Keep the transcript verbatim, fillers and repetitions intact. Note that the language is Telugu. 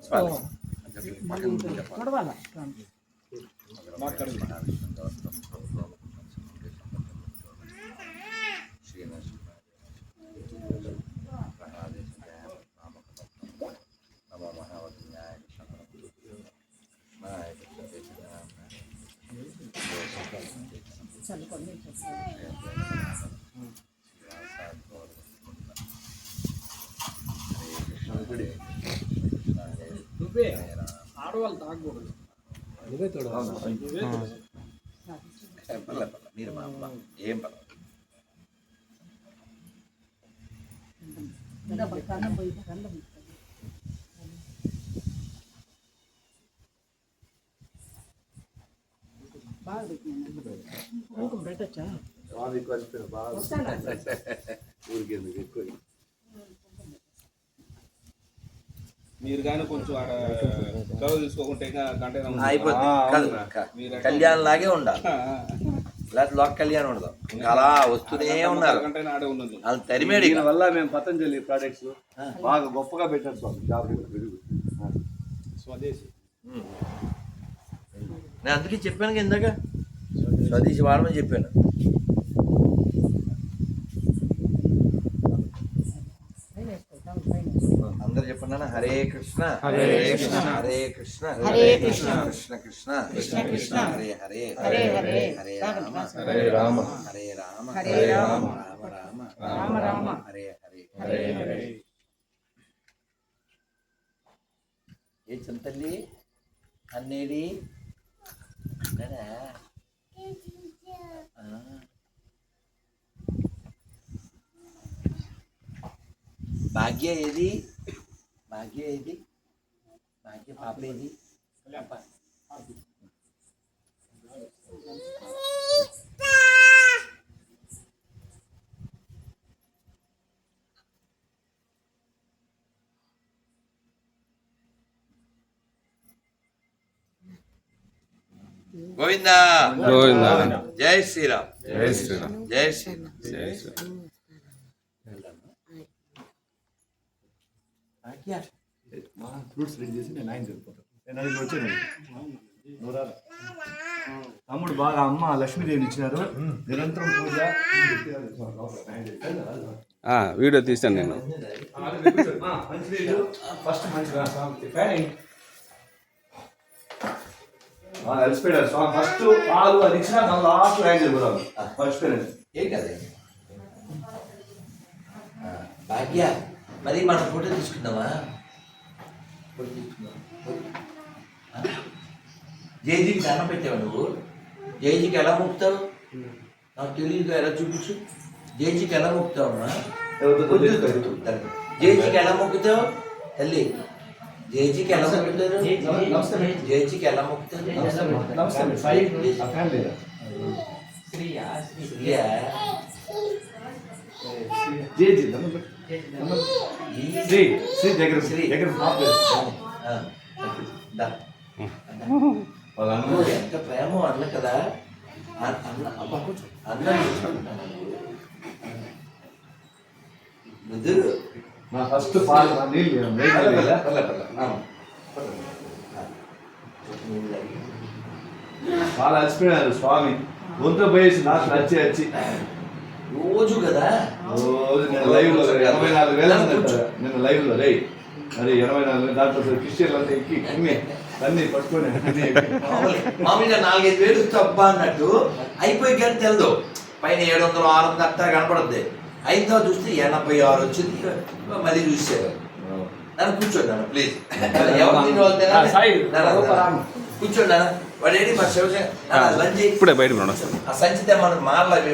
నువ్వే ఆడవాళ్ళు తాగకూడదు నువ్వే తోడు మీరు మా అమ్మ ఏం పర్లేదు మీరు కానీ కొంచెం ఆడ చదువు తీసుకోకుంటే కళ్యాణ్ లాగే ఉండాలి, లేకపోతే లోక కళ్యాణం ఉండదు. ఇంకా అలా వస్తూనే ఉన్నారు. వాళ్ళు తరిమేడి వల్ల మేము పతంజలి ప్రోడక్ట్స్ బాగా గొప్పగా పెట్టారు స్వామి. స్వదేశీ నేను అందుకే చెప్పాను ఇందాక స్వదేశీ వాడమని చెప్పాను. అందరు చెప్పండి. హరే కృష్ణ హరే కృష్ణ హరే కృష్ణ హరే కృష్ణ కృష్ణ కృష్ణ కృష్ణ కృష్ణ హరే హరే హరే హరే హరే రామ హరే రామ హరే రామ హరే రామ రామ రామ రామ రామ హరే హరే హరే హరే. ఏ చింతల్లి అన్నేది భాగ్య ఏది భాగ్య ఏది భాగ్య పాప ఏది గోవిందా గోవిందా జై శ్రీరామ్ జై శ్రీరామ్ జై శ్రీరామ్ జై శ్రీరామ్. ఫ్రూట్స్ రెడీ చేసి నేను ఆయన వెళ్ళిపోతాను. నేను అది వచ్చాను. తమ్ముడు బాగా అమ్మ లక్ష్మీదేవిని ఇచ్చినారు. నిరంతరం పూజ వీడియో తీసాను నేను. ఫస్ట్ మంచిగా అలసిపోయాడు స్వామి. ఫస్ట్ పాలు అది ఇచ్చిన లాస్ట్ ఆయన వెళ్ళిపోతాను. మర్చిపోయాను. ఏం కదా భాగ్య మరి మనం ఫోటో తీసుకుందామా? ఫోటో తీసుకుందాం. జైజీకి దండం పెట్టావు నువ్వు. జైజీకి ఎలా మొక్కుతావు? నాకు తెలియదు, ఎలా చూపించు. జైజీకి ఎలా మొక్కుతావు అమ్మా? జైజీకి ఎలా మొక్కుతావు తల్లి? జైజీకి ఎలా మొక్కుతారు? జైజీకి ఎలా మొక్కుతారు? శ్రీ శ్రీ దగ్గర శ్రీ దగ్గర ఎంత ప్రేమ అన్న కదా. అన్న ముదురు మా ఫస్ట్ పాలు పాలు అలసిపోయినారు స్వామి. గొంతు పోయేసి నాకు నచ్చి వచ్చి రోజు కదా రోజు నేను లైవ్ లో ఎనభై నాలుగు వేల నేను లైవ్ లో రై మరి ఎనభై నాలుగు దాంట్లో క్రిస్టియన్లు అంతా ఎక్కి అన్ని అన్ని పట్టుకొని మామూలుగా నాలుగైదు వేలు తప్ప అన్నట్టు అయిపోయి కానీ తెలదు. పైన ఏడు వందలు ఆరు వందలు అట్టా కనపడుద్ది. అయిన తర్వాత చూస్తే ఎనభై ఆరు వచ్చింది. మళ్ళీ చూసారు. నన్ను కూర్చోండి అన్న ప్లీజ్. కూర్చోండి అన్న. వాడు ఏంటి మా శివశంకర్ ఇప్పుడే బయట ఆ సంచితే మనం మాల